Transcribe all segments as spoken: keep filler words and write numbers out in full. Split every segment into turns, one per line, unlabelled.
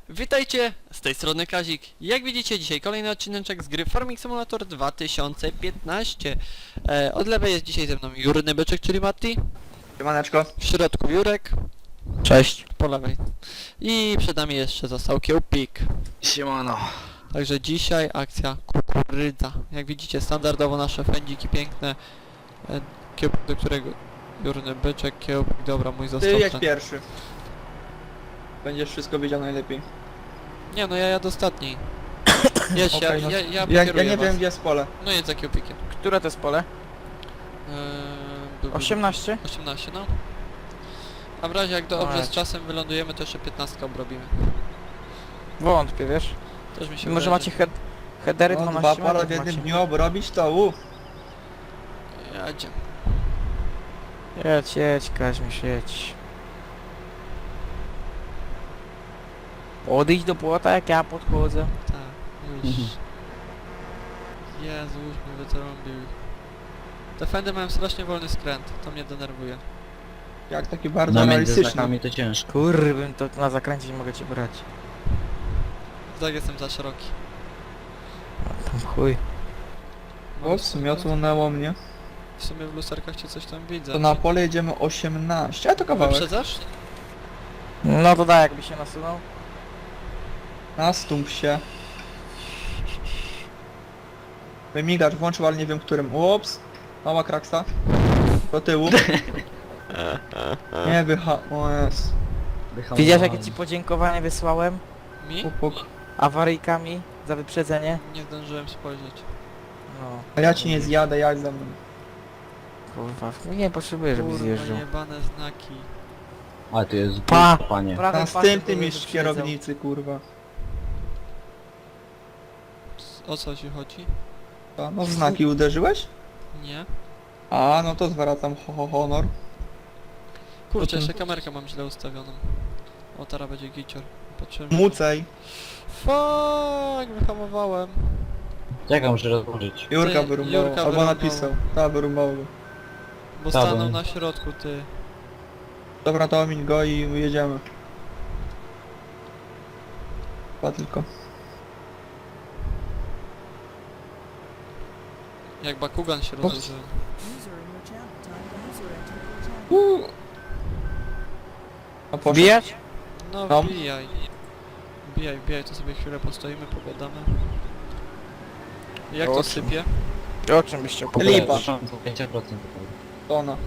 Witajcie, z tej strony Kazik. Jak widzicie, dzisiaj kolejny odcineczek z gry Farming Simulator dwa tysiące piętnaście. E, od lewej jest dzisiaj ze mną Jurny Byczek, czyli Matti.
Siemaneczko.
W środku Jurek.
Cześć.
Po lewej. I przed nami jeszcze został Kiełpik.
Siemano.
Także dzisiaj akcja kukurydza. Jak widzicie, standardowo nasze fędziki piękne. E, Kiełpik, do którego... Jurny Byczek, Kiełpik, dobra, mój został
Ty jedź
ten.
pierwszy. Będziesz wszystko wiedział najlepiej.
Nie no, ja jadę ostatni. Jedź,
Okej,
ja,
no.
ja, ja,
Ja, ja
pokieruję
nie
was.
wiem gdzie jest pole.
No jedź za Kiełpikiem.
Które to jest pole?
Eee,
osiemnaście?
osiemnaście, no. A w razie jak dobrze z
Ać.
czasem wylądujemy, to jeszcze piętnaście obrobimy.
Wątpię, wiesz?
Też mi się
Może
wydaje,
macie head headery
No, dwa
dwanaście
pole w
metrów
jednym
macie.
dniu obrobić to u.
że Jadzie.
Jedź, jedź, Kaźmisz, jedź. Odejdź do płota, jak ja podchodzę.
Tak, już. Jezu, już mnie wytrąbił. Te fendy mają strasznie wolny skręt, to mnie denerwuje.
Jak taki bardzo
No między
realistyczny.
znakami to ciężko.
Kurwym, to na zakręcie nie mogę cię brać.
Tak, jestem za szeroki.
Tam chuj.
Ups, miotłunęło mnie.
W sumie w lusterkach cię coś tam widzę.
To na pole jedziemy osiemnaście, a to kawałek.
Wyprzedzasz?
No to da, jakby się nasunął.
Nastąp się. Wymigacz włączył, ale nie wiem którym. Ups. Mała kraksa. Do tyłu. Nie wycha... O jest.
Widziałeś, jakie ci podziękowanie wysłałem?
Mi?
Puk, puk.
Awaryjkami za wyprzedzenie?
Nie zdążyłem spojrzeć.
No,
A ja ci nie zjadę, jak ze mną.
kurwa, nie potrzebuję, żeby
Kurwa,
zjeżdżał.
jebane znaki.
A tu jest
Pa!
panie.
Prawym
Następny
pasem
mistrz
wyprzedzał.
kierownicy, kurwa.
O co ci chodzi?
To, no w znaki uderzyłeś?
Nie?
A, no to zwracam ho, ho, honor.
Kurczę,
Potem-
jeszcze kamerkę mam źle ustawioną. O, teraz będzie gicior. Patrzyłem. że-
Mucej.
Fuck, wyhamowałem.
Czekam, muszę rozłożyć.
Jurka
Ty,
wyrąbało,
Jurka
albo
wyrąbało.
napisał. Ta, wyrąbało go.
Bo
Ta, bo-
stanął na środku, ty.
Dobra, to omiń go i jedziemy. Chyba tylko.
Jak Bakugan się rozłożył.
Uuu. A poszedł.
Wbijać?
No
No.
wbijaj. Wbijaj, wbijaj, to sobie chwilę postoimy, pogadamy. Jak
O
to
czym?
sypie?
O czym byś chciał
Lipa.
pięć procent.
To ona.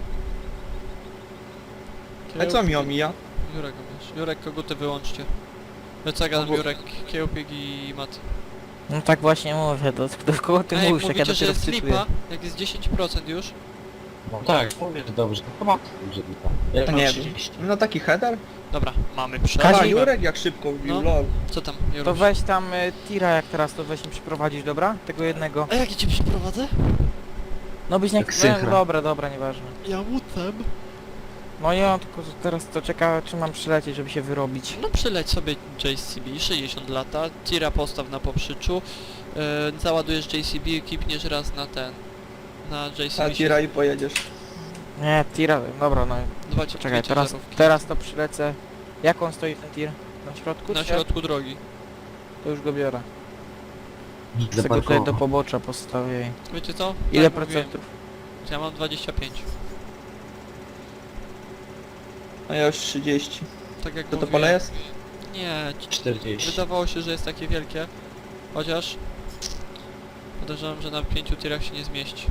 A co mi omija?
Jurek omijesz. Jurek, koguty wyłączcie. Wycegan,
No bo-
Jurek, Kiełpik i Mat.
No tak właśnie mówię, do, do kogo ty
Ej,
mówisz, jak ja
mówicie, że
dopiero
jest
wczytuję.
lipa? Jak jest dziesięć procent już?
No tak, mówię, że dobrze. Chyba dobrze lipa. Ja
To
mam
nie
trzydzieści.
wiem. No taki header?
Dobra, mamy
A,
przerwę.
Jurek jak szybko wbił,
No.
lol.
Co tam, Juruś?
To weź tam y, tira jak teraz, to weź mi przyprowadzić, dobra? Tego jednego.
A jak cię przyprowadzę?
No byś nie...
Jak sychra.
No, dobra, dobra, nieważne.
Ja łutem.
No ja tylko teraz to czeka, czy mam przylecieć, żeby się wyrobić.
No przyleć sobie J C B, sześćdziesiąt lata, tira postaw na poprzyczu, yy, załadujesz J C B i kipniesz raz na ten, na J C
A
B.
tira i pojedziesz.
Nie, tira, dobra, no.
Dwa
Czekaj, teraz, teraz to przylecę. Jak on stoi ten tir? Na środku?
Na
czy-
środku drogi.
To już go biorę.
Nikt
Chcę go tutaj do
zaparkował.
pobocza postawię.
Wiecie co?
Ile
Tak mówiłem.
procentów?
Ja mam dwadzieścia pięć.
A ja już trzydzieści.
Tak jak
To to
mówiłem.
pole jest?
Nie, ci-
czterdzieści.
wydawało się, że jest takie wielkie. Chociaż... Podejrzewam, że na pięciu tirach się nie zmieści.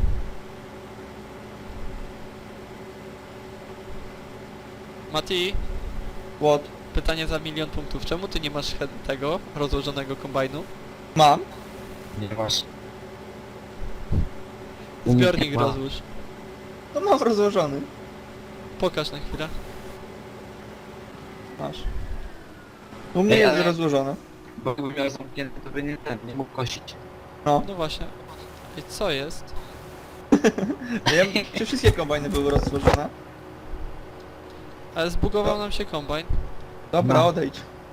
Mati,
What?
pytanie za milion punktów. Czemu ty nie masz head tego rozłożonego kombajnu?
Mam.
Nie masz.
Zbiornik
Ma.
rozłóż.
To mam rozłożony.
Pokaż na chwilę.
Masz. U mnie
Ej,
jest
ale-
rozłożone.
Bo gdyby miał zamknięty, to by nie ten, nie mógł kosić.
No.
No właśnie. I co jest?
Ja wiem, czy wszystkie kombajny były rozłożone?
Ale zbugował
No.
nam się kombajn.
Dobra,
No.
odejdź.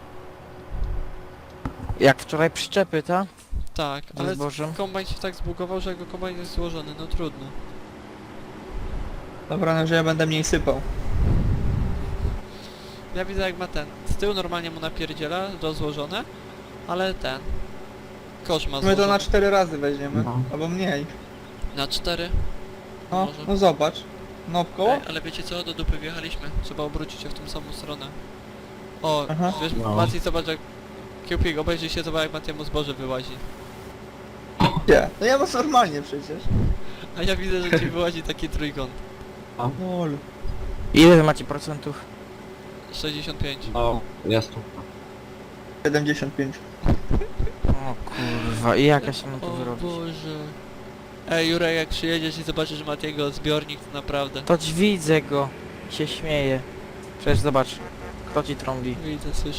Jak wczoraj przyczepy, ta?
Tak,
Ze
ale
zbożem?
kombajn się tak zbugował, że jego kombajn jest złożony. No trudno.
Dobra, no że ja będę mniej sypał.
Ja widzę jak ma ten. Z tyłu normalnie mu napierdziela, rozłożone, ale ten. Kosz ma
My
złożony.
to na cztery razy weźmiemy,
No.
albo mniej.
Na cztery.
No,
Może.
no zobacz. No w koło?
Ej, ale wiecie co? Do dupy wjechaliśmy. Trzeba obrócić się w tą samą stronę. O,
Aha.
wiesz,
No.
Maciej, zobacz jak... Kiełpik, obejrzyj się, zobacz jak Matiemu zboże wyłazi.
Gdzie? No ja mam normalnie przecież.
A ja widzę, że ci wyłazi taki trójkąt.
Lol.
Ile wy macie procentów?
sześćdziesiąt pięć.
No, jasno.
siedemdziesiąt pięć.
O kurwa, i jak ja się mam to
O
wyrobić?
Boże. Ej, Jurek, jak przyjedziesz i zobaczysz Matiego zbiornik, to naprawdę.
To ci widzę go. Się śmieje. Przecież zobacz. Kto ci trąbi?
Widzę, słyszę.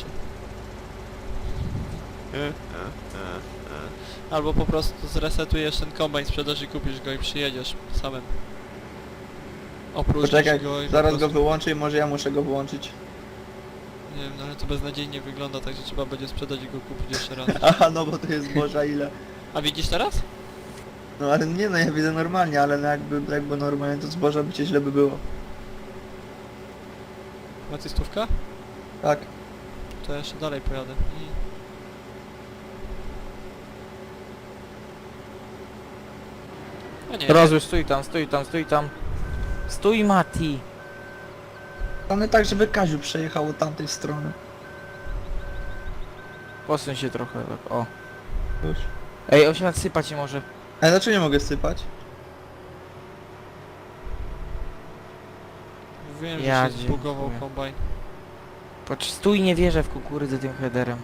Albo po prostu zresetujesz ten kombajn, sprzedasz i kupisz go i przyjedziesz samym. Opróżnisz
Poczekaj,
go i po
zaraz go
prostu...
wyłączę i może ja muszę go wyłączyć.
Nie wiem, no ale to beznadziejnie wygląda, także trzeba będzie sprzedać i go kupić jeszcze raz.
Aha, no bo to jest zboża ile.
A widzisz teraz?
No ale nie no, ja widzę normalnie, ale no jakby, jakby normalnie to zboża by cię źle by było.
Macie stówka?
Tak.
To ja jeszcze dalej pojadę. Mm. A nie,
Rozłóż, stój tam, stój tam, stój tam. Stój, Mati.
Ale tak, żeby Kaziu przejechał od tamtej strony.
Posuń się trochę, tak, o.
Już.
Ej, osiemset sypać nie może.
Ale dlaczego nie mogę sypać?
wiem,
Ja
że się zbugował
dziękuję.
kombajn.
Patrz, stój, nie wierzę w kukurydzę tym headerem.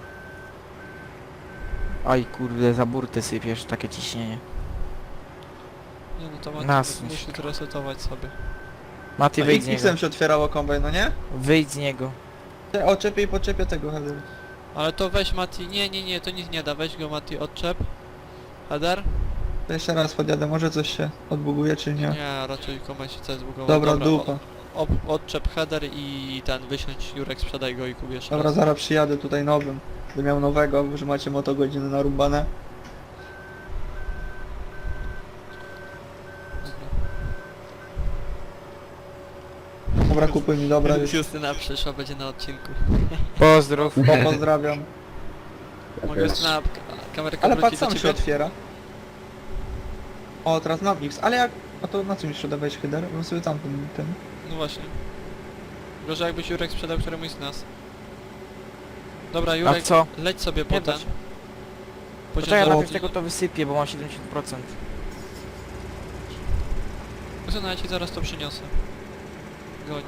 Aj kurde, za burtę sypiesz, takie ciśnienie.
Nie no to Maciej
Nasuń
musi
się.
to resetować sobie.
Mati,
No,
wyjdź z niego.
X-em się otwierało kombajn, no nie?
Wyjdź z niego.
Ja Oczepię i podczepię tego header.
Ale to weź Mati, nie, nie, nie, to nic nie da, weź go Mati, odczep. Header?
To jeszcze raz podjadę, może coś się odbuguje czy nie.
Nie, raczej kombajn się coś zbugował.
Dobra, dupa.
O, ob, odczep header i ten, wysiądź Jurek, sprzedaj go i kup jeszcze
Dobra,
raz.
zaraz przyjadę tutaj nowym. Będę miał nowego, że macie motogodziny narąbane. Dobra, kupuj mi, dobra, już.
Justyna przyszła, będzie na odcinku.
Pozdrów.
Po, pozdrawiam.
Mogę Justyna, k- kamerka
Ale
wróci
patrz,
do
sam się
ciebie?
otwiera. O, teraz mam X, ale jak... A to na czym jeszcze dawałeś header? Bym sobie tam ten... ten...
No właśnie. Gorzej jakbyś Jurek sprzedał któremuś z nas. Dobra,
A
Jurek,
co?
leć sobie
Nie
po
da
ten.
się.
Po
Poczekaj, ja
Poczekaj,
najpierw tego to wysypię, bo mam siedemdziesiąt procent.
Justyna, ja ci zaraz to przyniosę. Goń.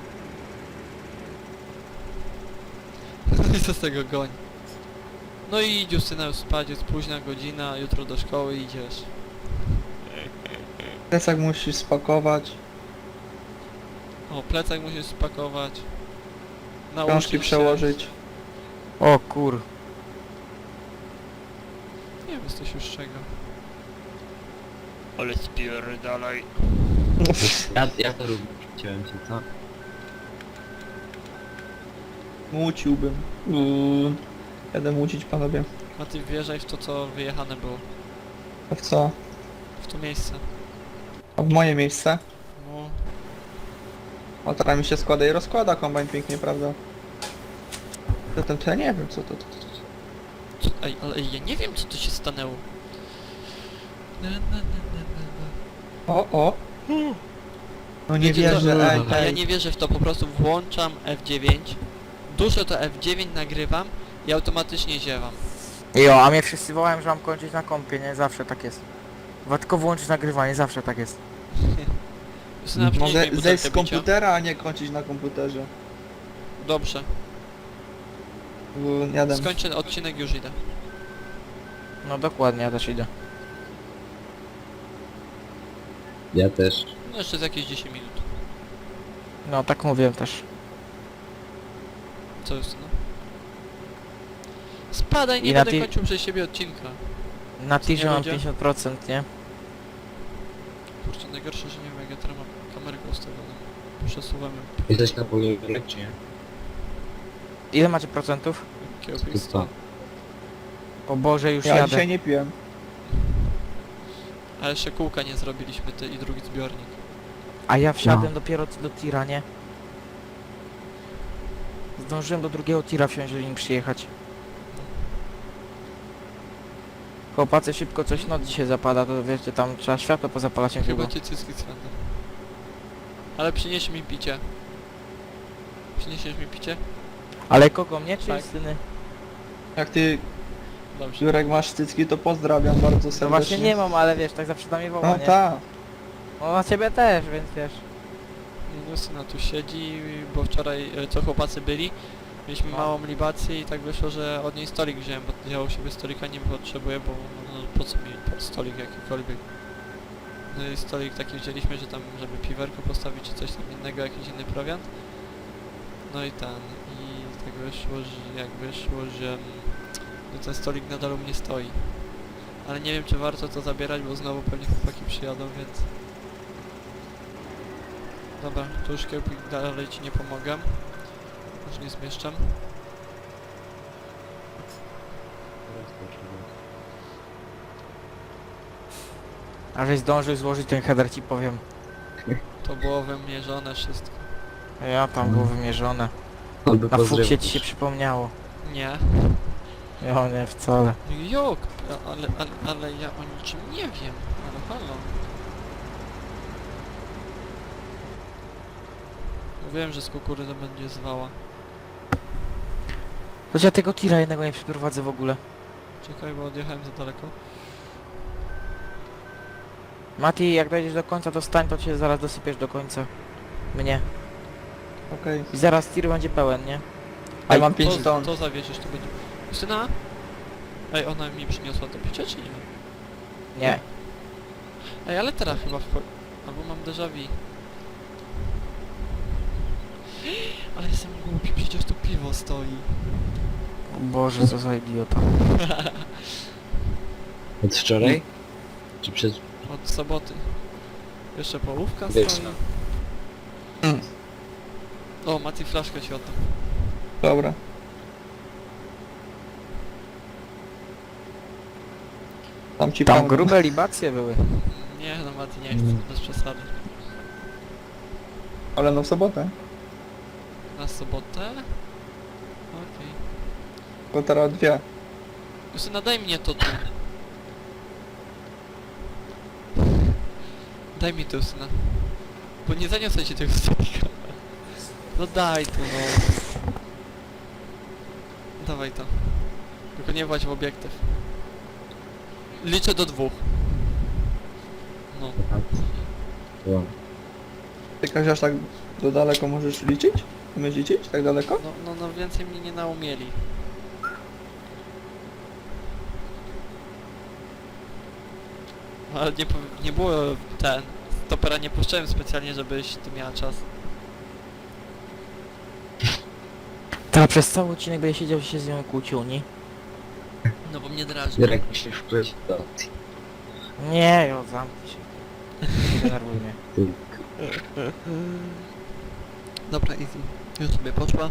No i co z tego goń? No i idź Justyna już spać, jest późna godzina, jutro do szkoły idziesz.
Plecak musisz spakować.
O, plecak musisz spakować. Nauczyć
Książki
się.
przełożyć.
O kur...
Nie wiem, jesteś już z czego. Ale spierdalaj.
Ja, ja to lubię, chciałem cię, co?
Muciłbym. Uuu. Jadę mucić, panowie.
A ty wjeżdżaj w to, co wyjechane było.
A w co?
W to miejsce.
A w moje miejsce?
No,
O, teraz mi się składa i rozkłada kombajn pięknie, prawda? Zatem to ja nie wiem, co to... to, to, to.
co, ej, ale ja nie wiem, co tu się stanęło. Na, na, na, na, na, na.
O, o! No nie
Wiecie co?
wierzę, ej,
A ja
ej.
nie wierzę w to, po prostu włączam F dziewięć, duszę to F dziewięć, nagrywam i automatycznie ziewam.
Jo, a mnie wszyscy wołają, że mam kończyć na kompie, nie? Zawsze tak jest. Chyba tylko włączyć nagrywanie, zawsze tak jest.
Justyna, przynieś mi
Mogę
butelkę
zejść z
bicia.
komputera, a nie kończyć na komputerze.
Dobrze,
Uuu, Jadę.
skończę odcinek, już idę.
No dokładnie, ja też idę.
Ja też.
No jeszcze z jakieś dziesięć minut.
No tak mówiłem też.
Co Justyna? Spadaj, nie
I na
będę
ty-
kończył przez siebie odcinka.
Na
Co nie
tirze mam
będzie?
pięćdziesiąt procent, nie?
Kurczę, najgorsze, że nie wiem jak ja teraz mam kamerkę ustawioną. Przesuwam ją.
Jesteś na polu czy nie?
Ile macie procentów?
Kiełpik
sto.
O Boże, już
Ja
jadę.
dzisiaj nie piłem.
A jeszcze kółka nie zrobiliśmy, ty i drugi zbiornik.
A ja wsiadłem
No.
dopiero do tira, nie? Zdążyłem do drugiego tira wsiąść, żeby nim przyjechać. Chłopacy, szybko coś noc dzisiaj zapada, to wiecie, tam trzeba światło pozapalać jak długo.
Chyba cię cyski cwędę. Ale przynieś mi picie. Przyniesiesz mi picie?
Ale kogo, mnie czy
Tak.
syny?
Jak ty,
Dobrze.
Jurek, masz cycki, to pozdrawiam bardzo serdecznie.
No właśnie nie mam, ale wiesz, tak zawsze na mnie woła,
No
nie?
tak.
No na ciebie też, więc wiesz.
No syna tu siedzi, bo wczoraj e, co chłopacy byli, mieliśmy
No.
małą libację i tak wyszło, że od niej stolik wziąłem, bo ja u siebie stolika nie potrzebuję, bo no, po co mi po- stolik jakikolwiek. No i stolik taki wzięliśmy, że tam, żeby piwerko postawić czy coś tam innego, jakiś inny prowiant. No i ten, i tak wyszło, że jak wyszło, że mm, no ten stolik nadal u mnie stoi. Ale nie wiem, czy warto to zabierać, bo znowu pewnie chłopaki przyjadą, więc... Dobra, to już kiełpik dalej ci nie pomogę. Już nie zmieszczam.
A żeś zdążył złożyć ten header, ci powiem.
To było wymierzone wszystko.
Ja tam było wymierzone.
Albo
Na fuksie
pozdrawiam.
ci się przypomniało.
Nie.
Ja nie, wcale.
Jok, ale, ale, ale ja o niczym nie wiem. Ale halo. Wiem, że z kukurydzy będzie zwała.
To ja tego tira jednego nie przeprowadzę w ogóle.
Czekaj, bo odjechałem za daleko.
Mati, jak dojdziesz do końca, to stań, to cię zaraz dosypiesz do końca. Mnie.
Okej.
I zaraz tir będzie pełen, nie?
A ja mam
to,
pięć ton.
to zawieziesz, to będzie... Justyna? Ej, ona mi przyniosła to picie, czy nie?
Nie.
Ej, ale teraz chyba w... Albo mam déjà vu. Ale jestem głupi, przecież tu piwo stoi.
O Boże, co za idiota.
Od wczoraj? Czy przez...
Od soboty. Jeszcze połówka
Wieczna.
stoi.
Mm.
O, Mati, flaszkę ci oddam.
Dobra. Tam ci
Tam
pełno.
grube libacje były.
Nie no, Mati, nie chcę,
Mm.
bez przesady.
Ale no w sobotę.
Na sobotę? Okej.
Bo teraz dwie.
Justyna, daj mnie to tu. Daj mi to, Justyna. Bo nie zaniosę ci tego stolika. No daj tu, no. Dawaj to. Tylko nie właź w obiektyw. Liczę do dwóch. No.
Wow.
Ty, Kasia, aż tak do daleko możesz liczyć? Umiesz liczyć? Tak daleko?
No, no, no więcej mnie nie naumieli. Ale nie, pow- nie było ten... Stopera nie puszczałem specjalnie, żebyś ty miała czas.
Ta przez cały odcinek będzie siedział i się z nią kłócił, nie?
No bo mnie drażni.
Jurek musisz wpływać do opcji.
Nie, jo, zamknij się. Nie denerwuj mnie.
Ty,
Dobra, easy. Już sobie poszła.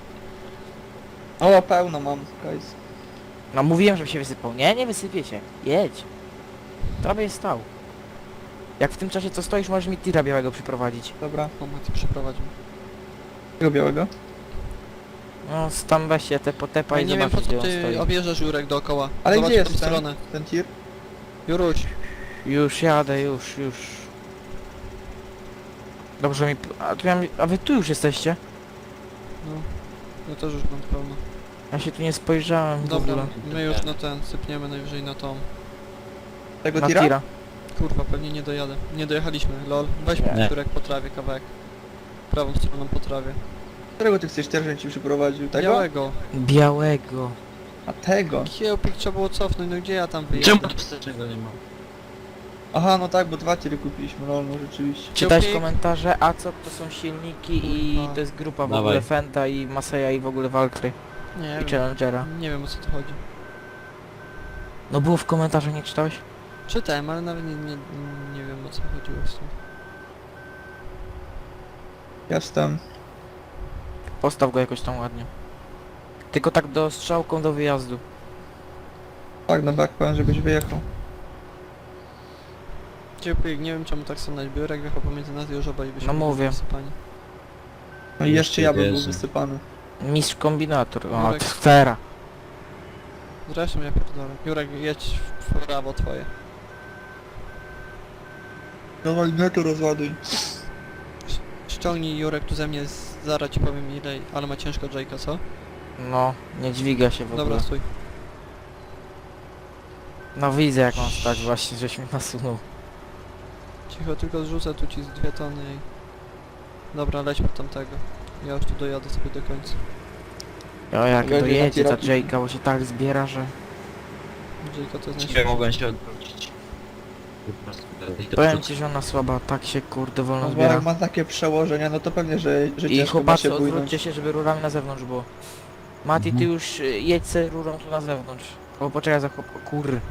O, pełno mam, guys.
No mówiłem, żeby się wysypał. Nie, nie wysypie się. Jedź. Prawie jest stał. Jak w tym czasie co stoisz, możesz mi tira białego przyprowadzić.
Dobra.
O, Mati przyprowadził.
Tego białego?
No, tam weź się te potepa
Ja
i
nie wiem po
zobacz,
co
gdzie on
ty
stoi.
objeżdżasz Jurek dookoła.
Ale
Zobacz
gdzie
w tą
jest ten,
stronę.
ten tir?
Juruś.
Już jadę, już, już. Dobrze mi... A, tu ja... A wy tu już jesteście?
No. Ja też już mam pełno.
Ja się tu nie spojrzałem w
Dobra,
ogóle.
my już na ten sypniemy najwyżej na tą.
Tego
Na
tira?
tira.
Kurwa, pewnie nie dojadę. Nie dojechaliśmy, lol. Weź
Nie.
mi Jurek po trawie kawałek. Prawą stroną po trawie.
Którego ty chcesz też, żebym ci przyprowadził? Tego?
Białego.
Białego.
A tego?
Kiełpik trzeba było cofnąć, no gdzie ja tam wyjadę?
czemu tu wstecznego nie ma?
Aha, no tak, bo dwa tiry kupiliśmy, no, no rzeczywiście.
Czytałeś
Kiełpik?
komentarze, a co to są silniki i
Kurwa.
to jest grupa w
Dawaj.
ogóle Fenta i Maseja i w ogóle Valkyrie
Nie
i
wiem.
Challengera.
Nie wiem o co tu chodzi.
No było w komentarzach, nie czytałeś?
Czytałem, ale nawet nie, nie, nie wiem o co chodziło z tym.
Jestem.
Postaw go jakoś tam ładnie. Tylko tak do strzałką do wyjazdu.
Tak, no tak powiem, żebyś wyjechał.
Kiełpik, nie wiem czemu tak stanąć. Biurek wjechał pomiędzy nas i już obaj byśmy
No
byli
mówię.
wysypani.
No i jeszcze ja bym był
Jezu.
wysypany.
Mistrz kombinator, o,
Jurek.
sfera.
Zresztą ja pierdolę. Jurek, jedź w prawo twoje.
Dawaj, mnie to rozładuj.
Ściągnij Jurek tu ze mnie, z- zaraz ci powiem ile, ale ma ciężko Jake'a, co?
No, nie dźwiga się w ogóle.
Dobra, stój.
No widzę jak mam stać właśnie, żeś mi nasunął.
Cicho, tylko zrzucę tu ci z dwie tony i... Dobra, lećmy tamtego. Ja już tu dojadę sobie do końca.
O jak
Będzie
dojedzie ta
taki
Jake'a, bo się tak zbiera, że...
Jake'a to jest
Nie
najszybszy.
mogłem się odwrócić. Po prostu dalej do
Powiem
przodu.
ci, że ona słaba, tak się kurde wolno
No bo
zbiera.
jak ma takie przełożenia, no to pewnie, że, że
I
ciężko ma
chłopacy,
się bójnąć.
odwróćcie się, żeby rurami na zewnątrz było. Mati, ty
Mhm.
już y, jedź se rurą tu na zewnątrz. O, poczekaj za chłop... o, Kur...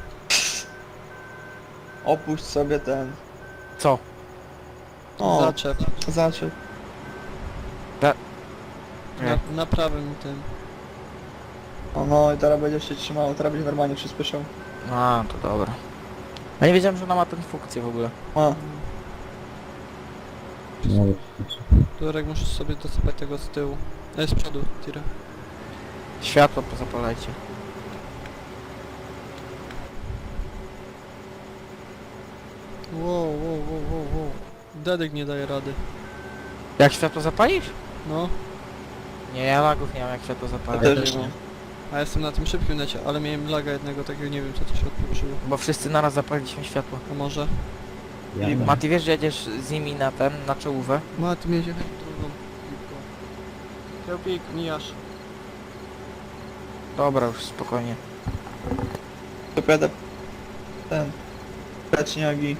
Opuść sobie ten...
Co?
O,
Zaczep.
zaczep.
Na, na prawym tym.
O no i teraz będziesz się trzymało, teraz będzie normalnie przyspieszał.
A, to dobra. Ja nie wiedziałem, że ona ma tę funkcję w ogóle.
A,
No,
Jurek, musisz sobie dosypać tego z tyłu. E, z przodu, tira.
Światło pozapalajcie.
Wow, wow, wow, wow, wow. Dedek nie daje rady.
Jak światło zapalisz?
No,
Nie, ja lagów nie mam jak światło
ja
zapalić.
też nie mam.
a jestem na tym szybkim necie, ale miałem laga jednego takiego, nie wiem co to się odpieprzyło.
Bo wszyscy naraz zapaliliśmy światło.
A może?
ja
I
mam.
Mati, wiesz, że jedziesz z nimi na ten, na czołówę?
Ma, ty miałeś jechać drugą piłką. Kiełpik, mijasz.
Dobra, już spokojnie.
To pojadę... ten... Pleczniaki.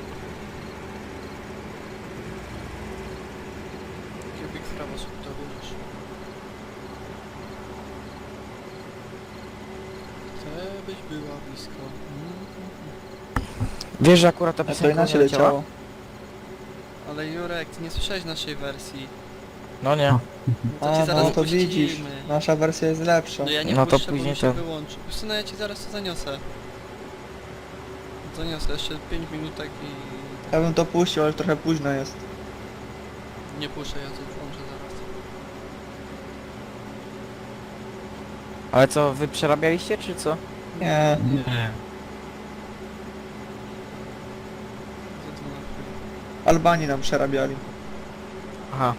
Kiełpik w prawo, sobie to bierzesz. Chcę byś była blisko. Mm.
Wiesz, że akurat ta
A to
piosenka
inaczej
nie leciała?
leciało.
Ale Jurek, ty nie słyszałeś naszej wersji.
No nie.
No to ci
A
zaraz
no to
puścimy.
widzisz, nasza wersja jest lepsza.
No ja nie
No to
puszczę, bo
później
mi się
ten.
wyłączy. Wiesz co, no ja ci zaraz to zaniosę. Zaniosę jeszcze pięć minutek i...
Ja bym to puścił, ale trochę późno jest.
Nie puszczę, ja to włączę zaraz.
Ale co, wy przerabialiście, czy co?
Nie,
Nie.
Za to na chwilę.
Albanii nam przerabiali.
Aha.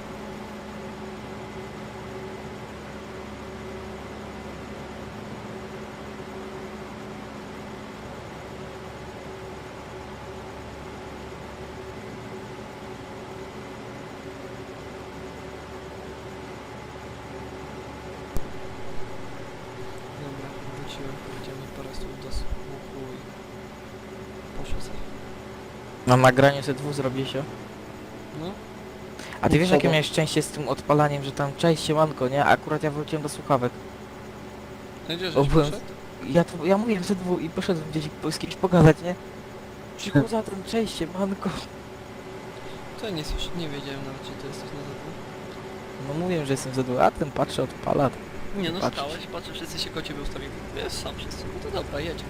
Dobra, wróciłem, powiedziałem po raz tu do słuchu i... Poszło sobie.
Na nagraniu ze dwóch zrobię się.
No,
A ty
No
wiesz,
co
jakie
to?
miałeś szczęście z tym odpalaniem, że tam cześć siemanko, nie? A akurat ja wróciłem do słuchawek.
no gdzie
O,
żeś
byłem-
poszedł?
Ja, to, ja mówiłem ze dwóch i poszedłem gdzieś po- z kimś pogadać, nie? Przyszło za ten cześć siemanko.
To ja nie słyszę, nie wiedziałem nawet, czy to jesteś na zewnątrz.
No mówiłem, że jestem ze dwóch, a ten patrzy, odpala.
Nie no,
Patrzeć.
stałeś, patrzę, wszyscy się koło ciebie ustawili. Wiesz, sam wszyscy. No to dobra, jedź.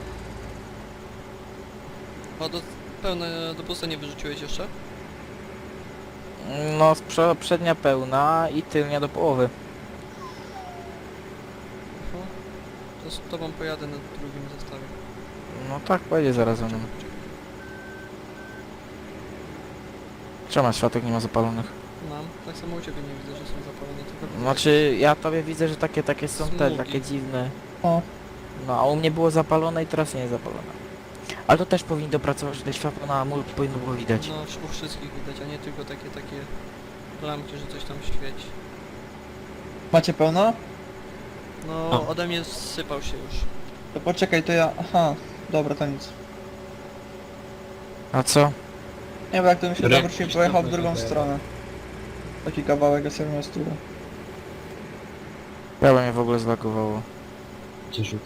O, do, pełne do pusta nie wyrzuciłeś jeszcze?
No, z prze- przednia pełna i tylnia do połowy.
Oho. To z tobą pojadę na drugim zestawie.
No tak, pojedzie zaraz za mną. Czemu światek nie ma zapalonych?
Mam. Tak samo u ciebie nie widzę, że są zapalone, tylko...
Znaczy, ja tobie widzę, że takie, takie są te,
Smugi.
takie dziwne.
O,
No, a u mnie było zapalone i teraz nie jest zapalone. Ale to też powinni dopracować, że te światło na multi powinno było widać.
No, u wszystkich widać, a nie tylko takie, takie lampki, że coś tam świeci.
macie pełno?
No,
O.
ode mnie sypał się już.
To poczekaj, to ja... Aha, dobra, to nic.
A co?
Nie, bo jak to mi się
Rek-
zawrócił, pojechał w
Krzysztof
drugą
będzie
stronę. Taki kawałek, ja sobie miał stówę.
Prawo mnie w ogóle zlagowało.
Cię rzucę.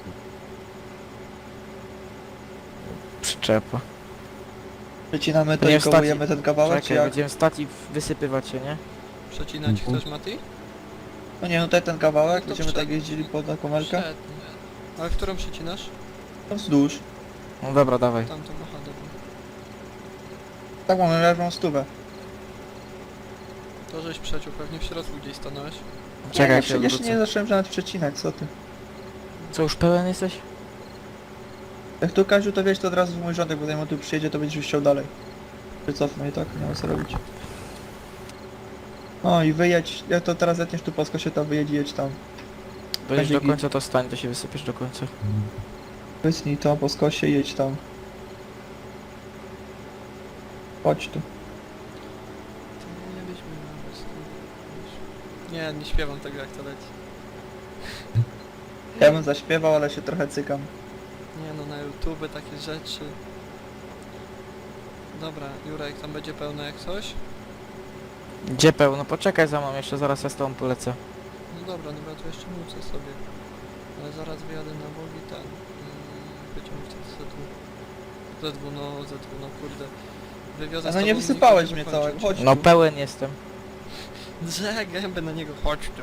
Przyczepa.
Przecinamy to
Będziemy
i
stać
kołujemy ten kawałek, czy
Czekaj,
jak?
będziemy stać i wysypywać się, nie?
Przecinać
Mhm.
chcesz, Mati?
No nie, no tutaj ten kawałek,
No to
będziemy
przed-
tak jeździli po taką melkę.
Przed. Ale którą przecinasz?
No wzdłuż.
No dobra, dawaj.
Tamtą, aha, dobra.
Tak mamy leżą stówę.
To żeś przeciął, pewnie w środku gdzieś stanąłeś.
Czekaj,
jeszcze,
się
jeszcze
odwrócę.
nie zacząłem nawet przecinać, co ty.
Co, już pełen jesteś?
Jak tu Kaziu, to wiesz, to od razu w mój rządek, bo zanim on tu przyjedzie, to będziesz chciał dalej. Wycofnę i tak, nie ma co robić. O i wyjedź, jak to teraz zetniesz tu po skosie, to wyjedź i jedź tam.
Dojedziesz
Będzie
do
git.
końca, to stań, to się wysypiesz do końca.
Wytnij to po skosie i jedź tam. Chodź tu.
Nie byśmy po prostu... Nie, nie śpiewam tego jak to leci.
Ja bym zaśpiewał, ale się trochę cykam.
Nie no, na YouTube takie rzeczy. Dobra, Jurek, tam będzie pełno jak coś?
Gdzie pełno? Poczekaj za mną, jeszcze zaraz ja z tobą polecę.
No dobra, no bo ja tu jeszcze mucę sobie. Ale zaraz wyjadę na bok i ten... Yy, będziemy wtedy Z dwa. Z dwa, no Z dwa, no kurde. Wywiozę z
No
tobą
nie
i
wysypałeś
będziemy
mnie całego,
kończyć.
chodź
No
tu.
pełen jestem.
Drze gębę na niego, chodź tu.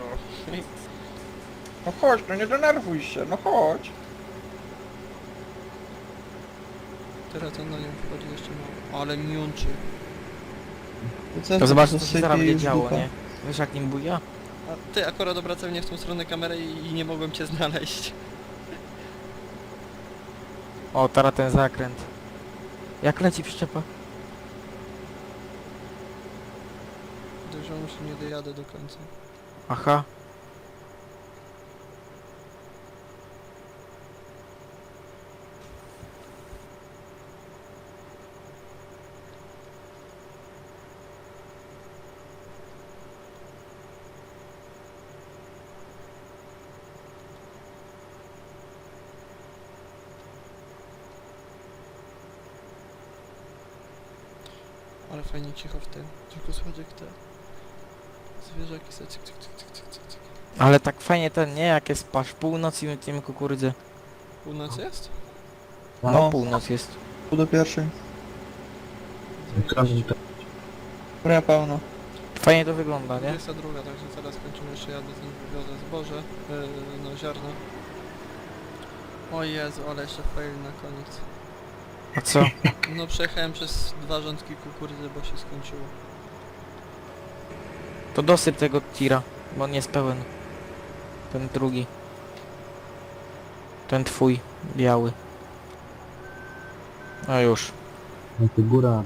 No chodź, no nie denerwuj się, no chodź.
Teraz on na nią wchodzi jeszcze mało. Ale miączy.
co,
To zobacz, co
to
się zaraz
sypie
będzie
już
działo,
dupa.
nie? Wiesz jak nim buja?
A ty akurat obracałem mnie w tą stronę kamerę i, i nie mogłem cię znaleźć.
O, teraz ten zakręt. Jak leci przyczepa?
Dużo się nie dojadę do końca.
Aha.
Ale fajnie cicho w tym. Tylko słychać jak te zwierzaki se cyk, cyk, cyk, cyk, cyk, cyk, cyk.
Ale tak fajnie ten, nie? Jak jest pasz północ i my tym kukurydzy.
Północ jest?
No,
No.
północ jest.
Tu do pierwszej.
Zajebiście.
Dobra, pełno.
Fajnie to wygląda, nie?
dwudziesta druga, także zaraz kończymy, jeszcze jadę z nim wywiozę zboże, yy, no ziarno. O Jezu, ale jeszcze fail na koniec.
A co?
No przejechałem przez dwa rządki kukurydzy, bo się skończyło.
To dosyp tego tira, bo on jest pełen. Ten drugi. Ten twój, biały. No już.
No to góra.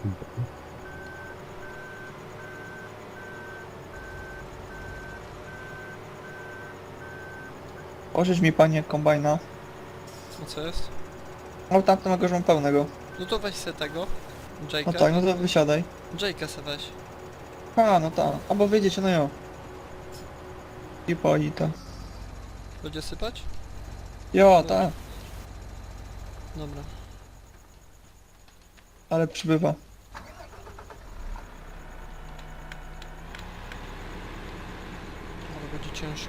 Pożycz mi panie kombajna.
No co jest?
No tamtego już mam pełnego.
No to weź se tego.
No
Jake'a.
tak, no to wysiadaj.
Jake'a se weź.
A, no tak. Albo wyjdziecie, no jo. I poli to.
Będzie sypać?
Jo, tak.
Dobra.
Ale przybywa.
Ale będzie ciężko.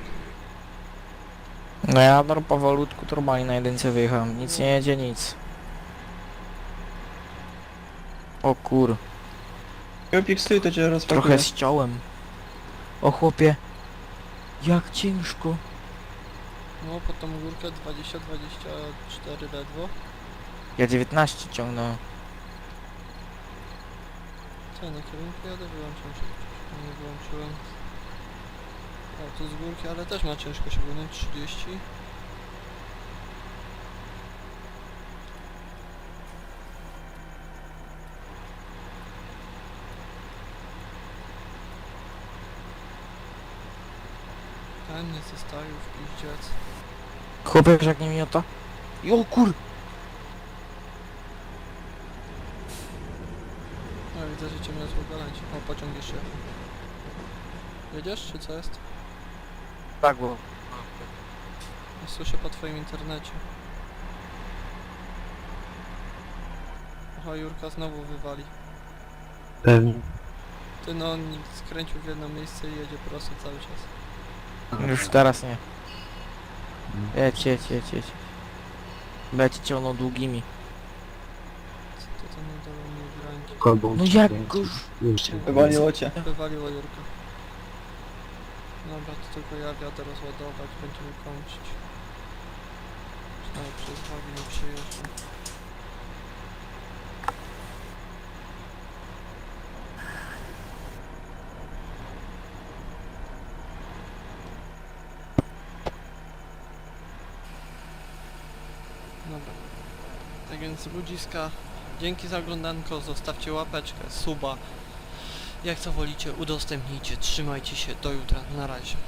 No ja no, powolutku normalnie na jedynce wyjechałem. Nic nie jedzie, nic. O kur,
Kiełpik stój, to cię rozpakuje.
trochę ściąłem. O chłopie. Jak ciężko.
No pod tą górkę dwadzieścia dwadzieścia cztery ledwo.
Ja dziewiętnaście ciągnąłem.
Co, na kierunku jadę? Wyłączam się. Nie wyłączyłem. O, tu z górki, ale też ma ciężko się wyjąć. trzydzieści. Ten nie zostawił w piździec.
Chłopie, wiesz jak nie miota? I o kur...
No widzę, że cię mnie złogalać. O, pociąg jeszcze. Jedziesz, czy co jest?
Tak było.
Słyszę po twoim internecie. Oho, Jurka znowu wywali.
Pewnie.
Ty no, on skręcił w jedno miejsce i jedzie prosto cały czas.
Już teraz nie. Jedź, jedź, jedź, jedź. Będzie ciągnął długimi.
Co to tam nie dało mi ograniczyć?
Kolbą
No
ci
jak
kręci.
go już...
Już.
Wywaliło cię.
Wywaliło Jurka. Dobra, to tylko ja wiadę rozładować, będziemy kończyć. Nawet przez wagi nie przejeżdżam. Dobra. Tak więc ludziska, dzięki za oglądanko, zostawcie łapeczkę, suba. Jak co wolicie, udostępnijcie, trzymajcie się, do jutra, na razie.